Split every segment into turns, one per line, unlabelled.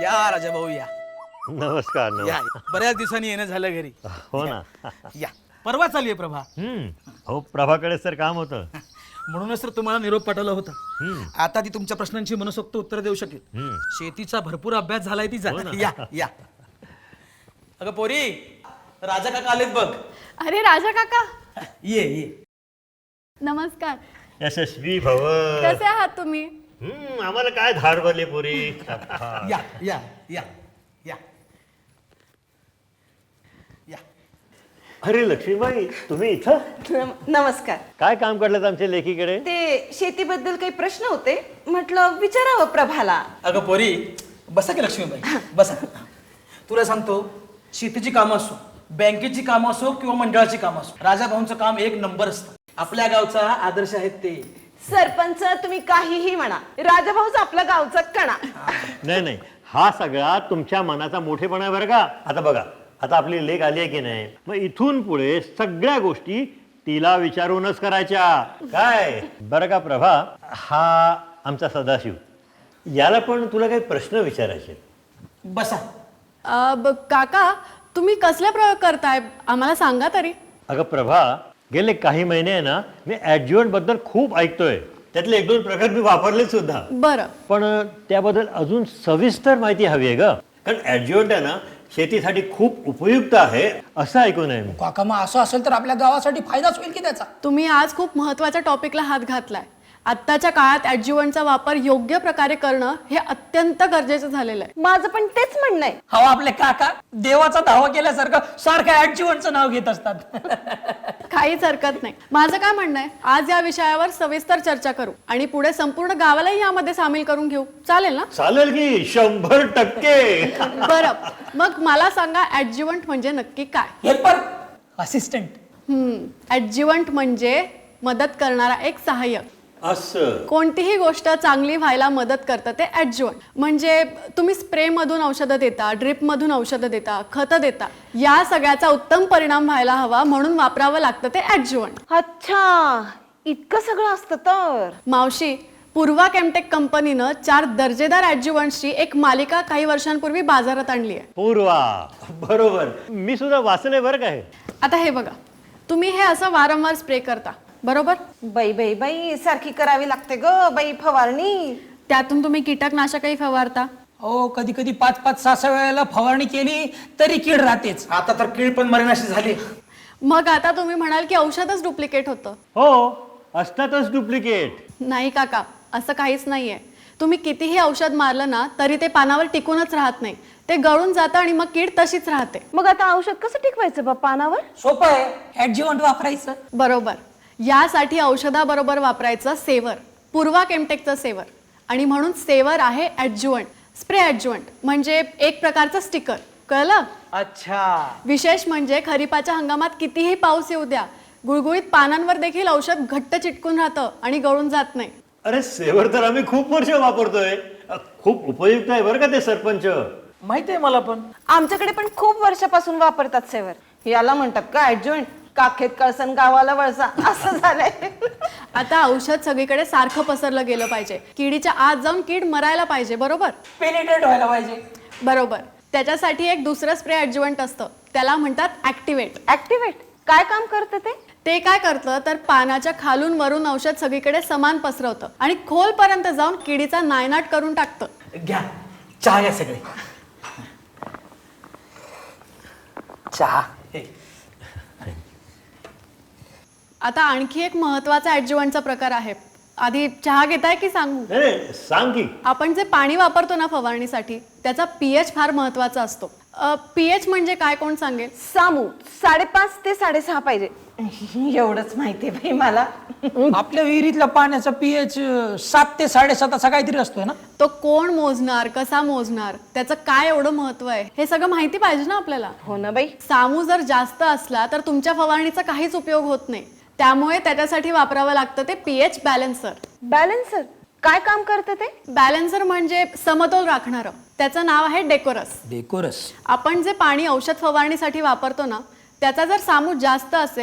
या राजा भाऊ या
नमस्कार
या
नमस्कार.
बऱ्याच दिवसांनी येणं झालं घरी.
हो ना.
या परवा चालली आहे प्रभा.
हो प्रभाकडे सर काम होतं.
म्हणूनच तर तुम्हाला निरोप पाठवला होता. आता ती तुमच्या प्रश्नांची मनसोक्त उत्तर देऊ शकेल. शेतीचा भरपूर अभ्यास झालाय तिचा. या या अगं पोरी, राजा काका आलेत बघ.
अरे राजा काका,
ये ये.
नमस्कार.
यशस्वी भव.
कसे आहात तुम्ही?
आम्हाला काय धाड भरली पुरी.
या या या या या.
अरे लक्ष्मीबाई, तुम्ही इथं
नमस्कार.
काय काम करलं आमच्या लेखीकडे?
ते शेतीबद्दल काही प्रश्न होते, म्हटलं विचारावं प्रभाला.
अगं पोरी, बसा की लक्ष्मीबाई बसा. तुला सांगतो, शेतीची कामं असो, बँकेची कामं असो किंवा मंडळाची कामं असो, राजा भाऊंचं काम एक नंबर असतं. आपल्या गावचा आदर्श आहेत ते.
सरपंच तुम्ही काहीही म्हणा, राजाभाऊच आपल्या गावचा कणा.
नाही नाही, हा सगळा तुमच्या मनाचा मोठेपणा आहे बरं का. आता बघा, आता आपली लेख आली आहे की नाही, मग इथून पुढे सगळ्या गोष्टी तिला विचारूनच करायच्या. काय बरं का प्रभा, हा आमचा सदाशिव, याला पण तुला काही प्रश्न विचारायचे.
बसा.
काका, तुम्ही कसले प्रयोग करताय आम्हाला सांगा तरी.
अगं प्रभा, गेले काही महिने आहे ना, मी ॲडज्युएंट बद्दल खूप ऐकतोय. त्यातले एक दोन प्रकार मी वापरले सुद्धा.
बरं.
पण त्याबद्दल अजून सविस्तर माहिती हवी आहे ग. कारण ॲडज्युएंट आहे ना, शेतीसाठी खूप उपयुक्त आहे असं ऐकून आहे मी.
काका, मग असं असेल तर आपल्या गावासाठी फायदाच होईल की त्याचा.
तुम्ही आज खूप महत्त्वाच्या टॉपिकला हात घातलाय. आत्ताच्या काळात ॲडज्युवंटचा वापर योग्य प्रकारे करणं हे अत्यंत गरजेचं झालेलं आहे.
माझं पण तेच म्हणणं आहे.
हवा आपले काका देवाचा धावा केल्यासारखं सारखं ऍडजीवनचं नाव घेत असतात.
काहीच हरकत नाही. माझं काय म्हणणं आहे, आज या विषयावर सविस्तर चर्चा करू आणि पुढे संपूर्ण गावालाही यामध्ये सामील करून घेऊ. चालेल ना?
चालेल की 100%.
बरं, मग मला सांगा, ॲडज्युवंट म्हणजे नक्की काय?
Helper, assistant.
ॲडज्युवंट म्हणजे मदत करणारा एक सहाय्यक.
असं
कोणतीही गोष्ट चांगली व्हायला मदत करतं ते ॲडज्युवंट. म्हणजे तुम्ही स्प्रेमधून औषधं देता, ड्रिपमधून औषधं देता, खतं देता, या सगळ्याचा उत्तम परिणाम व्हायला हवा म्हणून वापरावं लागतं ते ॲडज्युवंट.
अच्छा, इतकं सगळं असतं तर.
मावशी, पूर्वा केमटेक कंपनीनं 4 दर्जेदार ॲडज्युवंट्सची एक मालिका काही वर्षांपूर्वी बाजारात आणली आहे.
पूर्वा, बरोबर, मी सुद्धा वाचलंय बरं काय.
आता हे बघा, तुम्ही हे असं वारंवार स्प्रे करता, बरोबर?
बाई बाई बाई, सारखी करावी लागते ग बाई फवारणी.
त्यातून तुम्ही कीटकनाशकही फवारता.
हो, कधी कधी 5-5, 6-6 वेळेला फवारणी केली तरी कीड राहतेच.
आता तर कीड पण मरेनाशी झाली.
मग आता तुम्ही म्हणाल की औषधच डुप्लिकेट होतं.
हो, असतातच डुप्लिकेट.
नाही काका, असं काहीच नाहीये. तुम्ही कितीही औषध मारलं ना तरी ते पानावर टिकूनच राहत नाही. ते गळून जातं आणि मग कीड तशीच राहते.
मग आता औषध कसं टिकवायचं बा पानावर?
सोपं आहे, ऍडजीवंट वापरायचं.
बरोबर. यासाठी औषधाबरोबर वापरायचं सेवर, पूर्वा केमटेकचं सेवर. आणि म्हणून सेवर आहे ॲडज्युवंट, स्प्रे ॲडज्युवंट, म्हणजे एक प्रकारचं स्टिकर. कळलं?
अच्छा.
विशेष म्हणजे खरीपाच्या हंगामात कितीही पाऊस येऊ द्या, गुळगुळीत पानांवर देखील औषध घट्ट चिटकून राहतं आणि गळून जात नाही.
अरे सेवर तर आम्ही खूप वर्ष वापरतोय. खूप उपयुक्त आहे बरं का ते सरपंच.
माहिती आहे मला पण.
आमच्याकडे पण खूप वर्षापासून वापरतात सेवर. याला म्हणतात का ऍडजॉइंट? काखेत कळसन गावाला वळसा असं झालंय.
आता औषध सगळीकडे सारखं पसरलं गेलं पाहिजे. किडीच्या आत जाऊन कीड मरायला पाहिजे, बरोबर?
पेनिट्रेट व्हायला पाहिजे.
बरोबर. त्याच्यासाठी एक दुसरं स्प्रे ॲडज्युवंट असतं, त्याला म्हणतात ॲक्टिवेट.
ऍक्टिव्हेट काय काम करतं ते?
ते काय करतं तर पानाच्या खालून वरून औषध सगळीकडे समान पसरवतं आणि खोलपर्यंत जाऊन किडीचा नायनाट करून टाकतं.
घ्या चहा, घ्या सगळे चहा.
आता आणखी एक महत्वाचा ॲडज्युवंटचा प्रकार आहे. आधी चहा घेताय की सांगू?
नाही, सांग की.
आपण जे पाणी वापरतो ना फवारणीसाठी, त्याचा पीएच फार महत्वाचा असतो. पीएच म्हणजे काय, कोण सांगेल?
सामू 5.5 ते 6.5 पाहिजे. एवढंच माहितीये बाई मला.
आपल्या विहिरीतल्या पाण्याचा पीएच 7 ते 7.5 असा काहीतरी असतोय ना.
तो कोण मोजणार, कसा मोजणार, त्याचं काय एवढं महत्व आहे, हे सगळं माहिती पाहिजे ना आपल्याला.
हो ना बाई.
सामू जर जास्त असला तर तुमच्या फवारणीचा काहीच उपयोग होत नाही. त्यामुळे त्याच्यासाठी वापरावं लागतं ते पीएच बॅलन्सर.
बॅलन्सर काय काम करतं ते?
बॅलन्सर म्हणजे समतोल राखणारं. त्याचं नाव आहे डेकोरस.
डेकोरस.
आपण जे पाणी औषध फवारणीसाठी वापरतो ना, त्याचा जर सामू जास्त असेल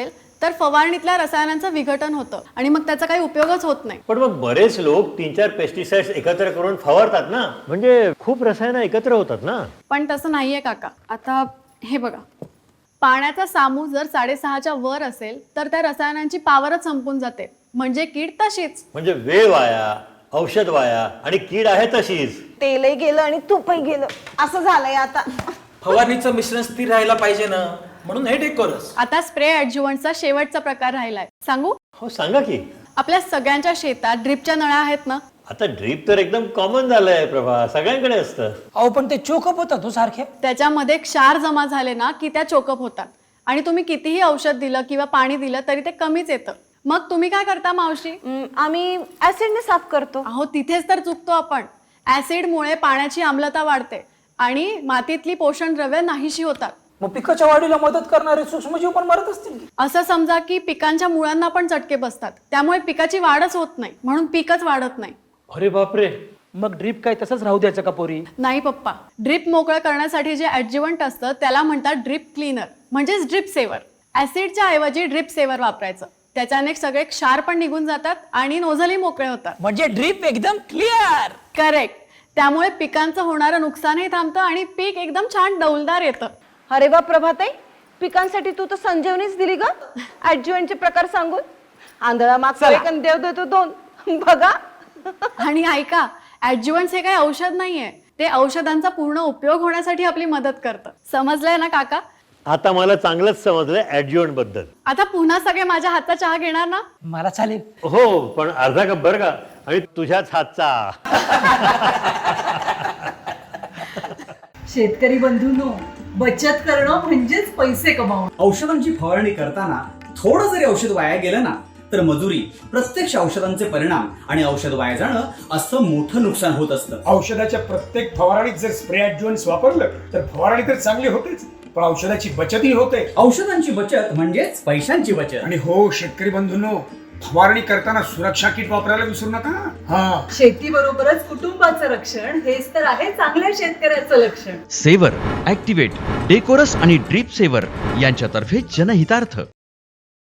तर फवारणीतल्या रसायनांचं विघटन होतं आणि मग त्याचा काही उपयोगच होत नाही.
पण मग बरेच लोक 3-4 पेस्टिसाइड्स एकत्र करून फवारतात ना, म्हणजे खूप रसायनं एकत्र होतात ना.
पण तसं नाहीये काका. आता हे बघा, पाण्याचा सामू जर 6.5च्या वर असेल तर त्या रसायनांची पावरच संपून जाते, म्हणजे कीड तशीच.
म्हणजे वेळ वाया, औषध वाया आणि कीड आहे तशीच.
तेलही गेलं आणि तूपही गेलं असं झालंय आता.
फवारणीचं मिश्रण स्थिर राहायला पाहिजे ना, म्हणून हे डेकोरस.
आता स्प्रे ॲडज्युवंटचा शेवटचा प्रकार राहिलाय, सांगू?
हो सांगा की.
आपल्या सगळ्यांच्या शेतात ड्रिपच्या नळ्या आहेत ना.
आता ड्रीप तर एकदम कॉमन झालंय प्रभा, सगळ्यांकडे असतं.
अहो पण ते चोकअप होतात हो सारखे.
त्याच्यामध्ये क्षार जमा झाले ना की त्या चोकअप होतात आणि तुम्ही कितीही औषध दिलं किंवा पाणी दिलं तरी ते कमीच येतं. मग तुम्ही काय करता मावशी?
आम्ही ऍसिडने साफ करतो.
अहो तिथेच तर चुकतो आपण. ऍसिडमुळे पाण्याची आम्लता वाढते आणि मातीतली पोषण द्रव्य नाहीशी होतात.
मग पिकाच्या वाढीला मदत करणारे सूक्ष्मजीव पण मरत असतील की?
असं समजा की पिकांच्या मुळांना पण चटके बसतात, त्यामुळे पिकाची वाढच होत नाही, म्हणून पीकच वाढत नाही.
अरे बापरे, मग ड्रीप काय तसंच राहू द्यायचं का पोरी?
नाही पप्पा, ड्रिप मोकळं करण्यासाठी जे ॲडज्युवंट असतं त्याला म्हणतात ड्रिप क्लीनर, म्हणजेच ड्रिप सेवर. ऍसिडच्या ऐवजी ड्रिप सेवर वापरायचं. त्याच्याने सगळे क्षार पण निघून जातात आणि नोझलही मोकळे होतात.
म्हणजे ड्रीप एकदम क्लिअर.
करेक्ट. त्यामुळे पिकांचं होणारं नुकसानही थांबतं आणि पीक एकदम छान डौलदार येतं.
अरे वा प्रभाताई, पिकांसाठी तू तर संजीवनीच दिली ग ऍडज्युएंटचे प्रकार सांगून. आंधळा मागचा एक आणि देव देतो 2. बघा.
आणि ऐका, ॲडज्युवंट्स हे काही औषध नाहीये, ते औषधांचा पूर्ण उपयोग होण्यासाठी आपली मदत करतं. समजलंय ना काका?
आता मला चांगलंच समजलंय ऍडज्युएंट बद्दल.
आता पुन्हा सगळे माझ्या हातचा चहा घेणार ना?
मला चालेल.
हो पण अर्धा कप बरं का, आणि तुझ्याच हातचा.
शेतकरी बंधूंनो, बचत करणं म्हणजेच पैसे कमावणं.
औषधांची फवारणी करताना थोडं जरी औषध वाया गेलं ना तर मजुरी, प्रत्यक्ष औषधांचे परिणाम आणि औषध वाया जाणं असं मोठं नुकसान होत असतं.
औषधाच्या प्रत्येक फवारणीत जर स्प्रे ॲडज्युएंट्स वापरलं तर फवारणी तर चांगली होतेच, पण औषधाची बचतही होते.
औषधांची बचत म्हणजेच पैशांची बचत.
आणि हो शेतकरी बंधूंनो, फवारणी करताना सुरक्षा किट वापरायला विसरू नका. हा,
शेतीबरोबरच कुटुंबाचं रक्षण हेच तर आहे चांगल्या शेतकऱ्याचं लक्षण.
सेवर, ॲक्टिवेट, डेकोरस आणि ड्रीप सेवर यांच्यातर्फे जनहितार्थ.